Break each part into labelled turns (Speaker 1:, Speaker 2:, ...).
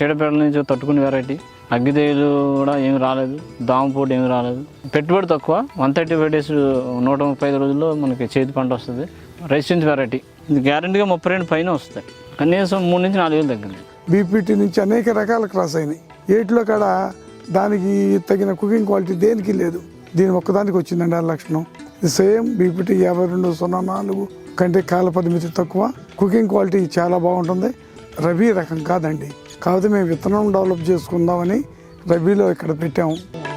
Speaker 1: చీడపీడల నుంచి తట్టుకునే వెరైటీ. అగ్గితేలు కూడా ఏమి రాలేదు, దామపోటు ఏమి రాలేదు. పెట్టుబడి తక్కువ, 135 days 135 రోజుల్లో మనకి చేతి పంట వస్తుంది. Resistant variety. ఇది గ్యారెంటీగా 32 పైన వస్తాయి, కనీసం 3 నుంచి 4 వేలు తగ్గింది.
Speaker 2: బీపీటీ నుంచి అనేక రకాల క్రాస్ అయినాయి. ఏట్లో కాడ దానికి తగిన కుకింగ్ క్వాలిటీ దేనికి లేదు, దీని ఒక్కదానికి వచ్చిందండి ఆ లక్షణం. ఇది సేమ్ బీపీటీ 5204 కంటే కాల పరిమితి తక్కువ, కుకింగ్ క్వాలిటీ చాలా బాగుంటుంది. రబీ రకం కాదండి, కాకపోతే మేము విత్తనం డెవలప్ చేసుకుందామని రబీలో ఇక్కడ పెట్టాము.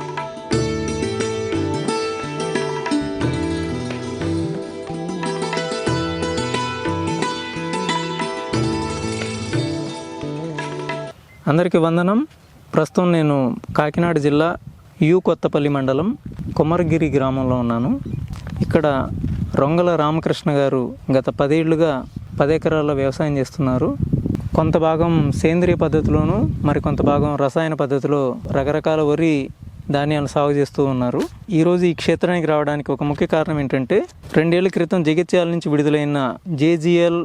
Speaker 3: అందరికీ వందనం. ప్రస్తుతం నేను కాకినాడ జిల్లా కొత్తపల్లి మండలం కొమరగిరి గ్రామంలో ఉన్నాను. ఇక్కడ రొంగల రామకృష్ణ గారు గత 10 ఏళ్లుగా 10 ఎకరాల్లో వ్యవసాయం చేస్తున్నారు. కొంత భాగం సేంద్రియ పద్ధతిలోను, మరి కొంత భాగం రసాయన పద్ధతిలో రకరకాల వరి ధాన్యాలను సాగు చేస్తూ ఉన్నారు. ఈరోజు ఈ క్షేత్రానికి రావడానికి ఒక ముఖ్య కారణం ఏంటంటే 2 ఏళ్ల క్రితం జగిత్యాల నుంచి విడుదలైన JGL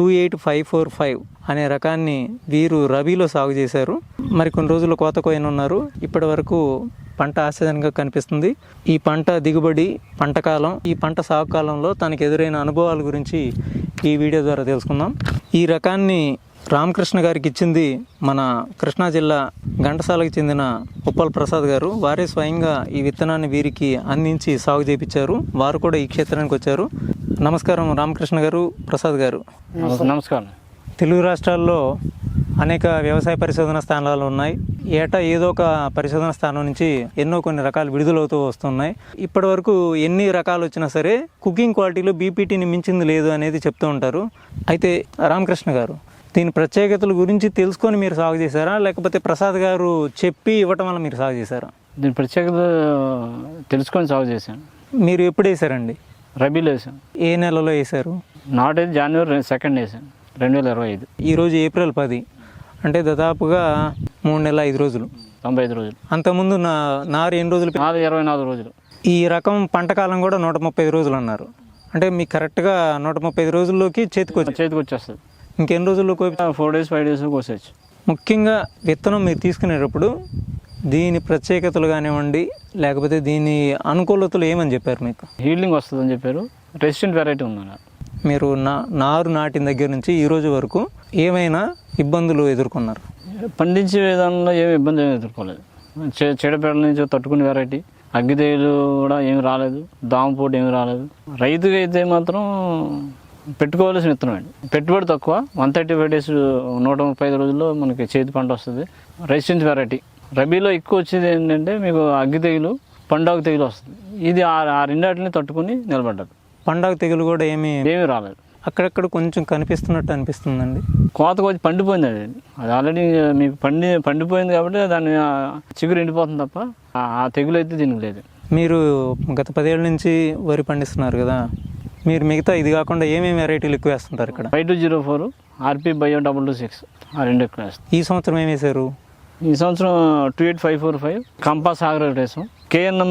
Speaker 3: 28545 అనే రకాన్ని వీరు రబీలో సాగు చేశారు. మరి కొన్ని రోజులు కోత కోయనున్నారు. ఇప్పటి వరకు పంట ఆశాజనకంగా కనిపిస్తుంది. ఈ పంట దిగుబడి, పంట కాలం, ఈ పంట సాగు కాలంలో తనకు ఎదురైన అనుభవాల గురించి ఈ వీడియో ద్వారా తెలుసుకుందాం. ఈ రకాన్ని రామకృష్ణ గారికి ఇచ్చింది మన కృష్ణా జిల్లా ఘంటసాలకు చెందిన ఉప్పల్ ప్రసాద్ గారు. వారే స్వయంగా ఈ విత్తనాన్ని వీరికి అందించి సాగు చేయించారు. వారు కూడా ఈ క్షేత్రానికి వచ్చారు. నమస్కారం రామకృష్ణ గారు, ప్రసాద్ గారు.
Speaker 1: నమస్కారం.
Speaker 3: తెలుగు రాష్ట్రాల్లో అనేక వ్యవసాయ పరిశోధన స్థానాలు ఉన్నాయి. ఏటా ఏదో ఒక పరిశోధన స్థానం నుంచి కొన్ని రకాలు విడుదలవుతూ వస్తున్నాయి. ఇప్పటి వరకు ఎన్ని రకాలు వచ్చినా సరే కుకింగ్ క్వాలిటీలో బీపీటీని మించింది లేదు అనేది చెప్తూ ఉంటారు. అయితే రామకృష్ణ గారు, దీని ప్రత్యేకతల గురించి తెలుసుకొని మీరు సాగు చేశారా, లేకపోతే ప్రసాద్ గారు చెప్పి ఇవ్వటం వల్ల మీరు సాగు చేశారా?
Speaker 1: దీని ప్రత్యేకత తెలుసుకొని సాగు చేశాను.
Speaker 3: మీరు ఎప్పుడు వేసారండి?
Speaker 1: రబీలో వేసాను.
Speaker 3: ఏ నెలలో వేశారు?
Speaker 1: నాటైతే January 2 వేసాను, 2025.
Speaker 3: ఈరోజు April 10, అంటే దాదాపుగా 3 నెలల 5 రోజులు,
Speaker 1: 95 రోజులు.
Speaker 3: అంతకుముందు నారు ఎన్ని రోజులు?
Speaker 1: 24 రోజులు.
Speaker 3: ఈ రకం పంట కాలం కూడా 135 రోజులు అన్నారు. అంటే మీకు కరెక్ట్గా 135 రోజుల్లోకి చేతికి
Speaker 1: వచ్చేస్తుంది.
Speaker 3: ఇంకెన్ని రోజుల్లో
Speaker 1: 4 days 5 days కోసేయచ్చు.
Speaker 3: ముఖ్యంగా విత్తనం మీరు తీసుకునేటప్పుడు దీని ప్రత్యేకతలు కానివ్వండి, లేకపోతే దీని అనుకూలతలు ఏమని చెప్పారు మీకు?
Speaker 1: హీల్డింగ్ వస్తుందని చెప్పారు. రెసిస్టెంట్ వెరైటీ ఉందన్నారు.
Speaker 3: మీరు నారు నాటిన దగ్గర నుంచి ఈ రోజు వరకు ఏమైనా ఇబ్బందులు ఎదుర్కొన్నారు?
Speaker 1: పండించే విధానంలో ఏమి ఇబ్బంది ఎదుర్కోలేదు. చీడపీడల నుంచి తట్టుకునే వెరైటీ. అగ్గితేలు కూడా ఏమి రాలేదు, దామపోటు ఏమి రాలేదు. రైతుగా అయితే మాత్రం పెట్టుకోవాల్సిన విత్తనం అండి. పెట్టుబడి తక్కువ, 135 days 135 రోజుల్లో మనకి చేతి పంట వస్తుంది. Resistant variety. రబీలో ఎక్కువ వచ్చేది ఏంటంటే మీకు అగ్గి తెగులు, పండాకు తెగులు వస్తుంది. ఇది ఆ రెండాటిని తట్టుకుని నిలబడ్డారు.
Speaker 3: పండాకు తెగులు కూడా ఏమీ
Speaker 1: రాలేదు.
Speaker 3: అక్కడక్కడ కొంచెం కనిపిస్తున్నట్టు అనిపిస్తుందండి.
Speaker 1: కోతకు వచ్చి పండిపోయింది అది ఆల్రెడీ మీకు పండిపోయింది కాబట్టి దాన్ని చిగురు ఎండిపోతుంది తప్ప ఆ తెగులు అయితే దీనికి లేదు.
Speaker 3: మీరు గత 10 ఏళ్ళ నుంచి వరి పండిస్తున్నారు కదా, మీరు మిగతా ఇది కాకుండా ఏమేమి వెరైటీలు ఎక్కువ వేస్తుంటారు ఇక్కడ?
Speaker 1: 5204, RP Bio 226 ఆ 2 ఎక్కువ వేస్తాం.
Speaker 3: ఈ సంవత్సరం ఏం వేశారు?
Speaker 1: ఈ సంవత్సరం 28545 కంపాస్ ఆగ్రో వేసాం. KNM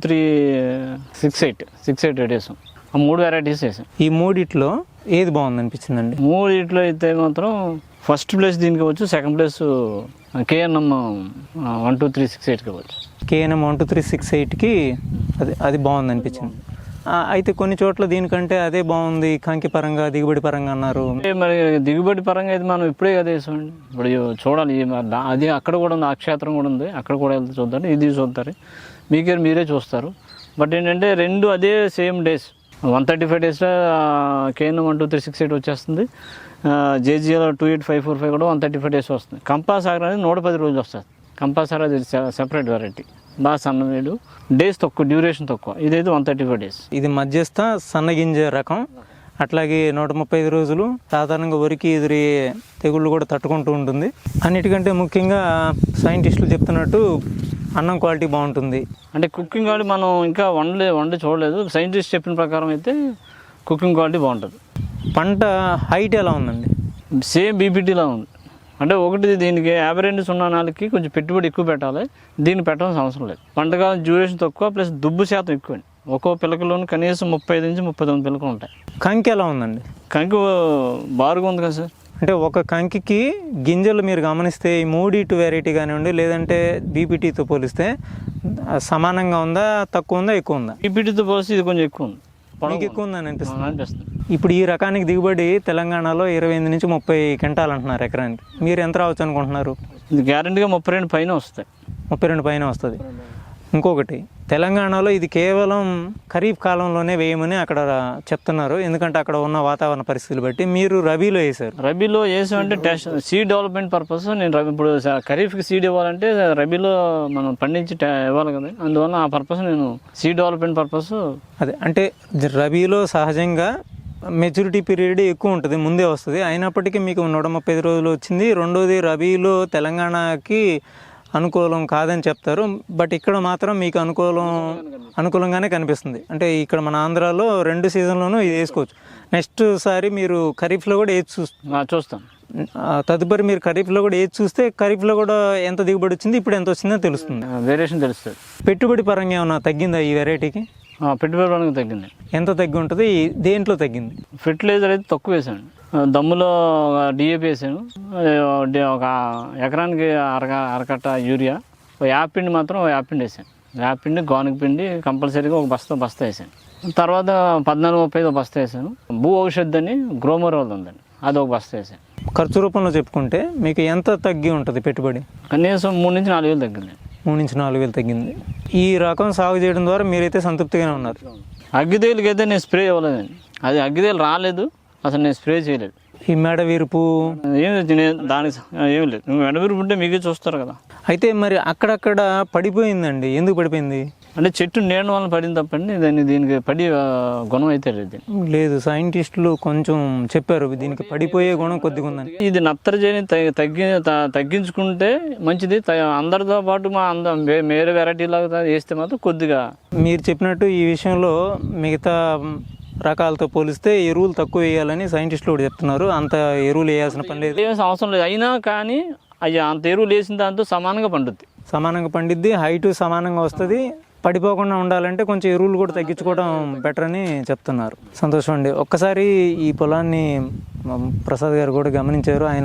Speaker 1: 12368 వేసాం. ఆ 3 వెరైటీస్ వేసాం.
Speaker 3: ఈ మూడిట్లో ఏది బాగుంది అనిపించిందండి?
Speaker 1: మూడిట్లో అయితే మాత్రం ఫస్ట్ ప్లేస్ దీనికి వచ్చు, సెకండ్ ప్లేస్ KNM 12368కి వచ్చు.
Speaker 3: KNM 12368కి అది బాగుంది అనిపించింది. అయితే కొన్ని చోట్ల దీనికంటే అదే బాగుంది కంకి పరంగా, దిగుబడి పరంగా అన్నారు.
Speaker 1: మరి దిగుబడి పరంగా అయితే మనం ఇప్పుడే కదా వేసామండి. ఇప్పుడు చూడాలి, అది అక్కడ కూడా ఉంది, ఆ క్షేత్రం కూడా ఉంది, అక్కడ కూడా వెళ్తే చూద్దాం, ఇది చూస్తారు, మీరే చూస్తారు. బట్ ఏంటంటే రెండు అదే సేమ్ డేస్. 135 days KNM 12368 వచ్చేస్తుంది. JGL 28545 కూడా 135 days వస్తుంది. కంపాస్ ఆగ్రో అనేది 110 రోజులు వస్తుంది. కంపాస్ ఆగ్రో అది సెపరేట్ వెరైటీ, బాగా సన్నవేడు, డేస్ తక్కువ, డ్యూరేషన్ తక్కువ. ఇదైతే 135 days.
Speaker 3: ఇది మధ్యస్థ సన్నగింజ రకం. అట్లాగే 135 రోజులు సాధారణంగా వరికి ఎదురయ్యే తెగుళ్ళు కూడా తట్టుకుంటూ ఉంటుంది. అన్నిటికంటే ముఖ్యంగా సైంటిస్టులు చెప్తున్నట్టు అన్నం క్వాలిటీ బాగుంటుంది.
Speaker 1: అంటే కుకింగ్ క్వాలిటీ మనం ఇంకా వండి చూడలేదు. సైంటిస్ట్ చెప్పిన ప్రకారం అయితే కుకింగ్ క్వాలిటీ బాగుంటుంది.
Speaker 3: పంట హైట్ ఎలా ఉందండి?
Speaker 1: సేమ్ బీపీటీలా ఉంది. అంటే ఒకటి దీనికి 5204కి కొంచెం పెట్టుబడి ఎక్కువ పెట్టాలి, దీన్ని పెట్టాల్సిన అవసరం లేదు. పంటకాలం డ్యూరేషన్ తక్కువ, ప్లస్ దుబ్బు శాతం ఎక్కువ అండి. ఒక్కో పిలకలోని కనీసం 35 నుంచి 39 పిలకలు ఉంటాయి.
Speaker 3: కంకి ఎలా ఉందండి?
Speaker 1: కంకి బారుగా ఉంది కదా సార్.
Speaker 3: అంటే ఒక కంకికి గింజలు మీరు గమనిస్తే ఈ మూడిటు వెరైటీ కానివ్వండి లేదంటే బీపీటీతో పోలిస్తే సమానంగా ఉందా, తక్కువ ఉందా, ఎక్కువ ఉందా?
Speaker 1: బీపీటీతో పోలిస్తే ఇది కొంచెం ఎక్కువ ఉంది,
Speaker 3: మీకు ఎక్కువ ఉందని అనిపిస్తుంది.
Speaker 1: అనిపిస్తుంది.
Speaker 3: ఇప్పుడు ఈ రకానికి దిగుబడి తెలంగాణలో 28 నుంచి 30 క్వింటాలు అంటున్నారు ఎకరానికి. మీరు ఎంత రావచ్చు అనుకుంటున్నారు?
Speaker 1: ఇది గ్యారెంటీగా 32 పైన వస్తాయి.
Speaker 3: 32 పైన వస్తుంది. ఇంకొకటి, తెలంగాణలో ఇది కేవలం ఖరీఫ్ కాలంలోనే వేయమని అక్కడ చెప్తున్నారు, ఎందుకంటే అక్కడ ఉన్న వాతావరణ పరిస్థితులు బట్టి. మీరు రబీలో వేశారు.
Speaker 1: రబీలో వేసామంటే టెస్ట్ సీడ్ డెవలప్మెంట్ పర్పస్. నేను ఇప్పుడు ఖరీఫ్కి సీడ్ ఇవ్వాలంటే రబీలో మనం పండించి ఇవ్వాలి కదా, అందువల్ల ఆ పర్పస్ నేను సీడ్ డెవలప్మెంట్ పర్పస్.
Speaker 3: అదే అంటే రబీలో సహజంగా మెచ్యూరిటీ పీరియడ్ ఎక్కువ ఉంటుంది, ముందే వస్తుంది. అయినప్పటికీ మీకు 135 రోజులు వచ్చింది. రెండోది, రబీలో తెలంగాణకి అనుకూలం కాదని చెప్తారు, బట్ ఇక్కడ మాత్రం మీకు అనుకూలంగానే కనిపిస్తుంది. అంటే ఇక్కడ మన ఆంధ్రాలో 2 సీజన్లోనూ ఇది వేసుకోవచ్చు. నెక్స్ట్ సారి మీరు ఖరీఫ్లో కూడా ఏది
Speaker 1: చూస్తాం.
Speaker 3: తదుపరి మీరు ఖరీఫ్లో కూడా ఏది చూస్తే ఖరీఫ్లో కూడా ఎంత దిగుబడి వచ్చింది, ఇప్పుడు ఎంత వచ్చిందో తెలుస్తుంది,
Speaker 1: వేరియేషన్ తెలుస్తుంది.
Speaker 3: పెట్టుబడి పరంగా ఏమన్నా తగ్గిందా ఈ వెరైటీకి?
Speaker 1: పెట్టుబడి పరంగా తగ్గింది.
Speaker 3: ఎంత తగ్గి ఉంటుంది? దేంట్లో తగ్గింది?
Speaker 1: ఫెర్టిలైజర్ అయితే తక్కువ వేసాను. దమ్ములో డిఏపి వేసాను, ఒక ఎకరానికి అరకట్ట యూరియా, యాపిండి మాత్రం యాపిండి వేసాను. యాపిండి, గోనక పిండి కంపల్సరీగా ఒక బస్తా వేసాను. తర్వాత 14-35 బస్తా వేసాను. భూ ఔషధి అని గ్రోమర్ వాళ్ళు ఉందండి, అది ఒక బస్తా వేసాను.
Speaker 3: ఖర్చు రూపంలో చెప్పుకుంటే మీకు ఎంత తగ్గి ఉంటుంది పెట్టుబడి?
Speaker 1: కనీసం 3 నుంచి 4 వేలు తగ్గింది.
Speaker 3: 3 నుంచి 4 వేలు తగ్గింది. ఈ రకం సాగు చేయడం ద్వారా మీరైతే సంతృప్తిగానే ఉన్నారు.
Speaker 1: అగ్గిదేలుకి అయితే నేను స్ప్రే ఇవ్వలేదండి, అది అగ్గిదేలు రాలేదు, అసలు నేను స్ప్రే చేయలేదు.
Speaker 3: ఈ మెడ వీరుపు
Speaker 1: దానికి ఏం లేదు, మెడ వీరుపు ఉంటే మీకే చూస్తారు కదా.
Speaker 3: అయితే మరి అక్కడక్కడ పడిపోయిందండి, ఎందుకు పడిపోయింది?
Speaker 1: అంటే చెట్టు నీడ వల్ల పడింది తప్పండి, దీనికి పడి గుణం అయితే లేదు.
Speaker 3: లేదు, సైంటిస్టులు కొంచెం చెప్పారు దీనికి పడిపోయే గుణం కొద్దిగా ఉందని.
Speaker 1: ఇది నత్రజని తగ్గించుకుంటే మంచిది. అందరితో పాటు వేరే వెరైటీ లాగా వేస్తే మాత్రం కొద్దిగా.
Speaker 3: మీరు చెప్పినట్టు ఈ విషయంలో మిగతా రకాలతో పోలిస్తే ఎరువులు తక్కువ వేయాలని సైంటిస్టులు కూడా చెప్తున్నారు. అంత ఎరువులు వేయాల్సిన పని లేదు,
Speaker 1: అవసరం లేదు. అయినా కానీ అయ్యా అంత ఎరువులు వేసిన దాంతో సమానంగా పండుద్ది, హైటు సమానంగా వస్తుంది. పడిపోకుండా ఉండాలంటే కొంచెం ఎరువులు కూడా తగ్గించుకోవడం బెటర్ అని చెప్తున్నారు. సంతోషం అండి. ఒక్కసారి ఈ పొలాన్ని ప్రసాద్ గారు కూడా గమనించారు. ఆయన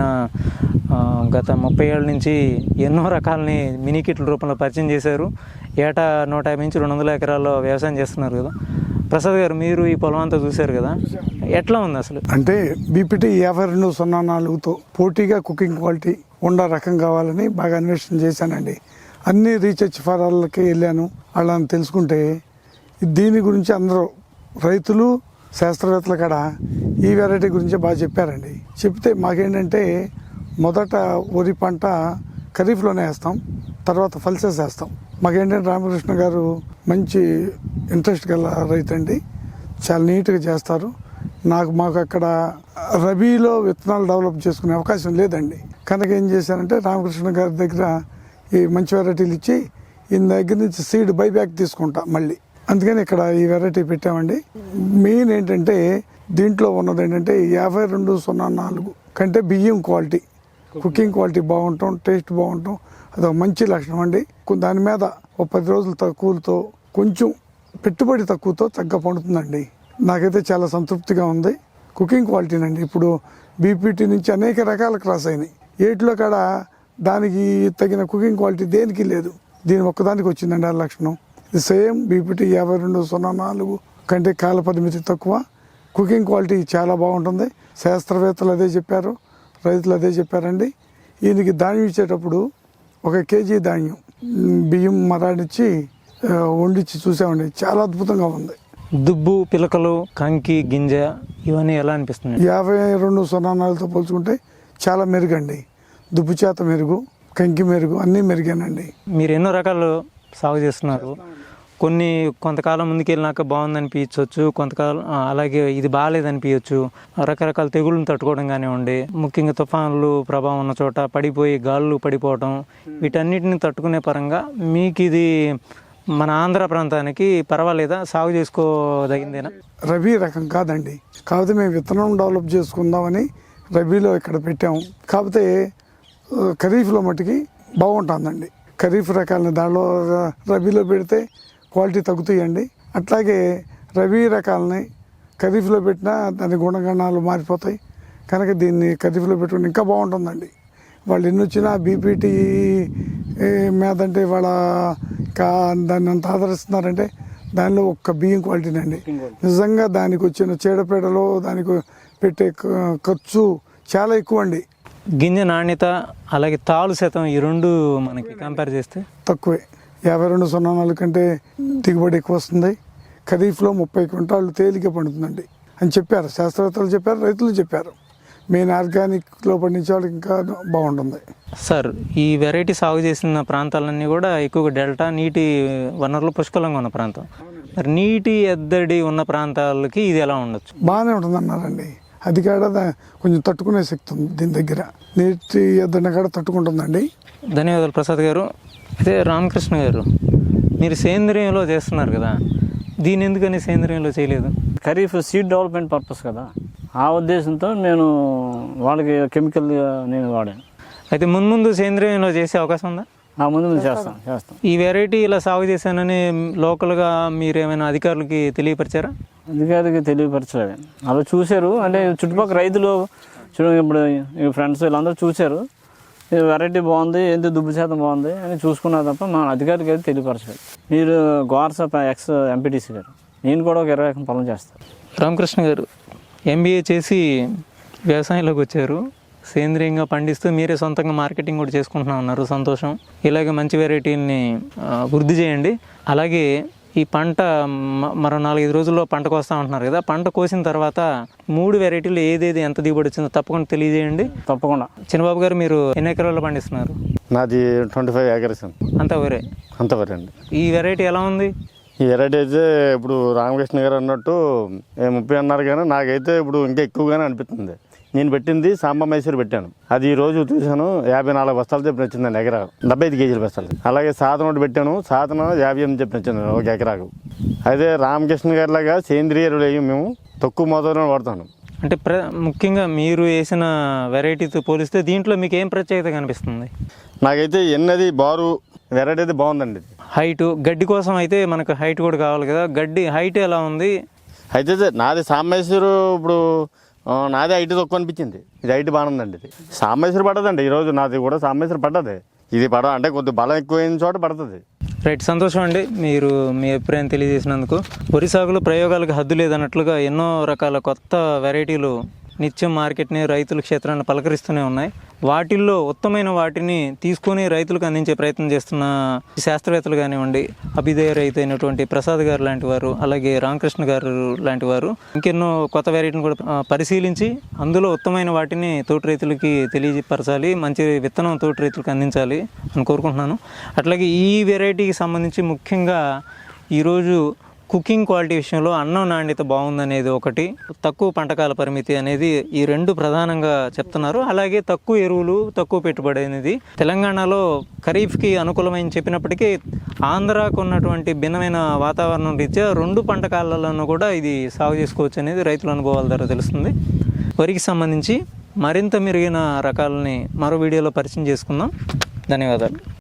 Speaker 1: గత 30 ఏళ్ళ నుంచి ఎన్నో రకాలని మినీ కిట్ల రూపంలో పరిచయం చేశారు. ఏటా 150 నుంచి 200 ఎకరాల్లో వ్యవసాయం చేస్తున్నారు కదా. ప్రసాద్ గారు, మీరు ఈ పొలం అంతా చూశారు కదా, ఎట్లా ఉంది అసలు?
Speaker 2: అంటే బీపీటీ 5204తో పోటీగా కుకింగ్ క్వాలిటీ ఉండ రకం కావాలని బాగా అన్వేషణ చేశానండి. అన్ని రీసెర్చ్ ఫారాలకి వెళ్ళాను. వాళ్ళని తెలుసుకుంటే దీని గురించి అందరూ రైతులు, శాస్త్రవేత్తల కాడ ఈ వెరైటీ గురించి బాగా చెప్పారండి. చెప్తే మాకేంటంటే మొదట వరి పంట ఖరీఫ్లోనే వేస్తాం, తర్వాత పల్సెస్ వేస్తాం. మాకేంటంటే రామకృష్ణ గారు మంచి ఇంట్రెస్ట్ గల రైతు అండి, చాలా నీట్గా చేస్తారు. మాకు అక్కడ రబీలో విత్తనాలు డెవలప్ చేసుకునే అవకాశం లేదండి. కనుక ఏం చేశానంటే రామకృష్ణ గారి దగ్గర ఈ మంచి వెరైటీలు ఇచ్చి ఈయన దగ్గర నుంచి సీడ్ బైబ్యాక్ తీసుకుంటా మళ్ళీ. అందుకని ఇక్కడ ఈ వెరైటీ పెట్టామండి. మెయిన్ ఏంటంటే దీంట్లో ఉన్నది ఏంటంటే 5204 కంటే బియ్యం క్వాలిటీ, కుకింగ్ క్వాలిటీ బాగుంటాం, టేస్ట్ బాగుంటాం, అదొక మంచి లక్షణం అండి. దాని మీద ఒక 10 రోజులు తక్కువతో, కొంచెం పెట్టుబడి తక్కువతో చక్కగా పండుతుందండి. నాకైతే చాలా సంతృప్తిగా ఉంది. కుకింగ్ క్వాలిటీనండి. ఇప్పుడు బీపీటీ నుంచి అనేక రకాల క్రాస్ అయినాయి. ఏట్లో కాడ దానికి తగిన కుకింగ్ క్వాలిటీ దేనికి లేదు, దీని ఒక్కదానికి వచ్చిందండి ఆ లక్షణం. ఇది సేమ్ బీపీటీ 5204 కంటే కాల పరిమితి తక్కువ, కుకింగ్ క్వాలిటీ చాలా బాగుంటుంది. శాస్త్రవేత్తలు అదే చెప్పారు, రైతులు అదే చెప్పారండి. ఈయనకి ధాన్యం ఇచ్చేటప్పుడు 1 కేజీ ధాన్యం బియ్యం మరాడిచ్చి వండించి చూసామండి, చాలా అద్భుతంగా ఉంది.
Speaker 3: దుబ్బు, పిలకలు, కంకి, గింజ ఇవన్నీ ఎలా అనిపిస్తుంది?
Speaker 2: 5204తో పోల్చుకుంటే చాలా మెరుగండి. దుబ్బు చేత మెరుగు, కంకి మెరుగు, అన్నీ మెరుగేనండి.
Speaker 3: మీరు ఎన్నో రకాలు సాగు చేస్తున్నారు. కొంతకాలం ముందుకెళ్ళినాక బాగుందనిపించవచ్చు, కొంతకాలం అలాగే ఇది బాగాలేదనిపించవచ్చు. రకరకాల తెగుళ్ళను తట్టుకోవడం కానివ్వండి, ముఖ్యంగా తుఫాన్లు ప్రభావం ఉన్న చోట పడిపోయి గాళ్ళు పడిపోవడం, వీటన్నిటిని తట్టుకునే పరంగా మీకు ఇది మన ఆంధ్ర ప్రాంతానికి పర్వాలేదా, సాగు చేసుకోదగిందేనా?
Speaker 2: రబీ రకం కాదండి, కాకపోతే మేము విత్తనం డెవలప్ చేసుకుందామని రబీలో ఇక్కడ పెట్టాము. కాకపోతే ఖరీఫ్లో మట్టుకి బాగుంటుందండి. ఖరీఫ్ రకాలని దానిలో రబీలో పెడితే క్వాలిటీ తగ్గుతాయండి. అట్లాగే రబీ రకాలని ఖరీఫ్లో పెట్టినా దాని గుణగణాలు మారిపోతాయి, కనుక దీన్ని ఖరీఫ్లో పెట్టుకుని ఇంకా బాగుంటుందండి. వాళ్ళు ఎన్ని వచ్చినా బీపీటీ మీద అంటే వాళ్ళ దాన్ని అంత ఆదరిస్తున్నారంటే దానిలో ఒక్క బియ్యం క్వాలిటీనండి. నిజంగా దానికి వచ్చిన చీడపీడలు దానికి పెట్టే ఖర్చు చాలా ఎక్కువ అండి.
Speaker 3: గింజ నాణ్యత అలాగే తాలు శాతం ఈ రెండు మనకి కంపేర్ చేస్తే
Speaker 2: తక్కువే. 5204 కంటే దిగుబడి ఎక్కువ వస్తుంది. ఖరీఫ్లో 30 క్వింటాళ్ళు తేలిక పండుతుందండి అని చెప్పారు శాస్త్రవేత్తలు, చెప్పారు రైతులు చెప్పారు. మెయిన్ ఆర్గానిక్లో పండించే వాళ్ళకి ఇంకా బాగుంటుంది.
Speaker 3: సార్, ఈ వెరైటీ సాగు చేసిన ప్రాంతాలన్నీ కూడా ఎక్కువగా డెల్టా నీటి వనరులు పుష్కలంగా ఉన్న ప్రాంతం. మరి నీటి ఎద్దడి ఉన్న ప్రాంతాలకి ఇది ఎలా ఉండొచ్చు?
Speaker 2: బాగానే ఉంటుంది అన్నారండి. అది కాడ కొంచెం తట్టుకునే శక్తి ఉంది దీని దగ్గర. నీటి ఎద్దడిని కాడ తట్టుకుంటుందండి.
Speaker 3: ధన్యవాదాలు ప్రసాద్ గారు. అయితే రామకృష్ణ గారు, మీరు సేంద్రియంలో చేస్తున్నారు కదా, దీని ఎందుకని సేంద్రియంలో చేయలేదు?
Speaker 1: ఖరీఫ్ సీడ్ డెవలప్మెంట్ పర్పస్ కదా, ఆ ఉద్దేశంతో నేను వాళ్ళకి కెమికల్ నేను వాడాను.
Speaker 3: అయితే ముందు సేంద్రియంలో చేసే అవకాశం ఉందా?
Speaker 1: ముందు చేస్తాం.
Speaker 3: ఈ వెరైటీ ఇలా సాగు చేశానని లోకల్గా మీరు ఏమైనా అధికారులకి తెలియపరిచారా?
Speaker 1: అధికారికి తెలియపరచలేదు. అలా చూశారు, అంటే చుట్టుపక్కల రైతులు ఇప్పుడు ఫ్రెండ్స్ వీళ్ళందరూ చూశారు, వెరైటీ బాగుంది, ఎంత దుబ్బు శాతం బాగుంది అని చూసుకున్నారు తప్ప మా అధికారికి అయితే తెలియపరచలేదు. మీరు గోర్సా ఎక్స్ ఎంపీటీసీ గారు, నేను కూడా ఒక 20 ఎకరం పొలం చేస్తాను.
Speaker 3: రామకృష్ణ గారు MBA చేసి వ్యవసాయంలోకి వచ్చారు. సేంద్రియంగా పండిస్తూ మీరే సొంతంగా మార్కెటింగ్ కూడా చేసుకుంటున్నా ఉన్నారు. సంతోషం. ఇలాగే మంచి వెరైటీని వృద్ధి చేయండి. అలాగే ఈ పంట మరో 4-5 రోజుల్లో పంట కోస్తా ఉంటున్నారు కదా, పంట కోసిన తర్వాత 3 వెరైటీలు ఏదేది ఎంత దిగుబడి వచ్చిందో తప్పకుండా తెలియజేయండి.
Speaker 1: తప్పకుండా.
Speaker 3: చిన్నబాబు గారు, మీరు ఎన్ని ఎకరాల్లో పండిస్తున్నారు?
Speaker 4: నాది 25 acres
Speaker 3: అంతా వరే.
Speaker 4: అంతవరే అండి.
Speaker 3: ఈ వెరైటీ ఎలా ఉంది?
Speaker 4: ఈ వెరైటీ అయితే ఇప్పుడు రామకృష్ణ గారు అన్నట్టు 30 అన్నారు, కానీ నాకైతే ఇప్పుడు ఇంకా ఎక్కువగానే అనిపిస్తుంది. నేను పెట్టింది సాంబ మైసూరు పెట్టాను, అది ఈ రోజు చూశాను 54 బస్తాలు చెప్పిన వచ్చిందండి ఎకరాకు, 75 కేజీల బస్తాలు. అలాగే సాధన ఒకటి పెట్టాను, సాధన 58 చెప్పిన వచ్చింది ఒక ఎకరాకు. అయితే రామకృష్ణ గారి లాగా సేంద్రియ ఎరువులు మేము తక్కువ మోతాదులో వాడతాను.
Speaker 3: అంటే ముఖ్యంగా మీరు వేసిన వెరైటీతో పోలిస్తే దీంట్లో మీకు ఏం ప్రత్యేకత కనిపిస్తుంది?
Speaker 4: నాకైతే ఎన్నది బారు వెరైటీ అయితే బాగుందండి.
Speaker 3: హైటు, గడ్డి కోసం అయితే మనకు హైట్ కూడా కావాలి కదా, గడ్డి హైట్ ఎలా ఉంది?
Speaker 4: అయితే నాది సాంబ మైసూరు ఇప్పుడు నాది హైట్ తక్కువ అనిపించింది, ఇది హైట్ బాగుందండి. ఇది సాంబ మైసూరు పడదండి, ఈరోజు నాది కూడా సాంబ మైసూరు పడ్డది. ఇది అంటే కొద్దిగా బలం ఎక్కువైన చోట పడుతుంది.
Speaker 3: రైట్, సంతోషం అండి మీరు మీ అభిప్రాయం తెలియజేసినందుకు. వరి సాగులో ప్రయోగాలకు హద్దు లేదన్నట్లుగా ఎన్నో రకాల కొత్త వెరైటీలు నిత్యం మార్కెట్ని రైతుల క్షేత్రాన్ని పలకరిస్తూనే ఉన్నాయి. వాటిల్లో ఉత్తమైన వాటిని తీసుకొని రైతులకు అందించే ప్రయత్నం చేస్తున్న శాస్త్రవేత్తలు కానివ్వండి, అభిదయ రైతు అయినటువంటి ప్రసాద్ గారు లాంటి వారు, అలాగే రామకృష్ణ గారు లాంటి వారు ఇంకెన్నో కొత్త వెరైటీని కూడా పరిశీలించి అందులో ఉత్తమైన వాటిని తోటి రైతులకి తెలియపరచాలి, మంచి విత్తనం తోటి రైతులకు అందించాలి అని కోరుకుంటున్నాను. అట్లాగే ఈ వెరైటీకి సంబంధించి ముఖ్యంగా ఈరోజు కుకింగ్ క్వాలిటీ విషయంలో అన్నం నాణ్యత బాగుందనేది ఒకటి, తక్కువ పంటకాల పరిమితి అనేది ఈ రెండు ప్రధానంగా చెప్తున్నారు. అలాగే తక్కువ ఎరువులు, తక్కువ పెట్టుబడి అనేది తెలంగాణలో ఖరీఫ్కి అనుకూలమైన చెప్పినప్పటికీ ఆంధ్రాకు ఉన్నటువంటి భిన్నమైన వాతావరణం రీత్యా 2 పంట కాలాలను కూడా ఇది సాగు చేసుకోవచ్చు అనేది రైతుల అనుభవాల ద్వారా తెలుస్తుంది. వరికి సంబంధించి మరింత మెరుగైన రకాలని మరో వీడియోలో పరిచయం చేసుకుందాం. ధన్యవాదాలు.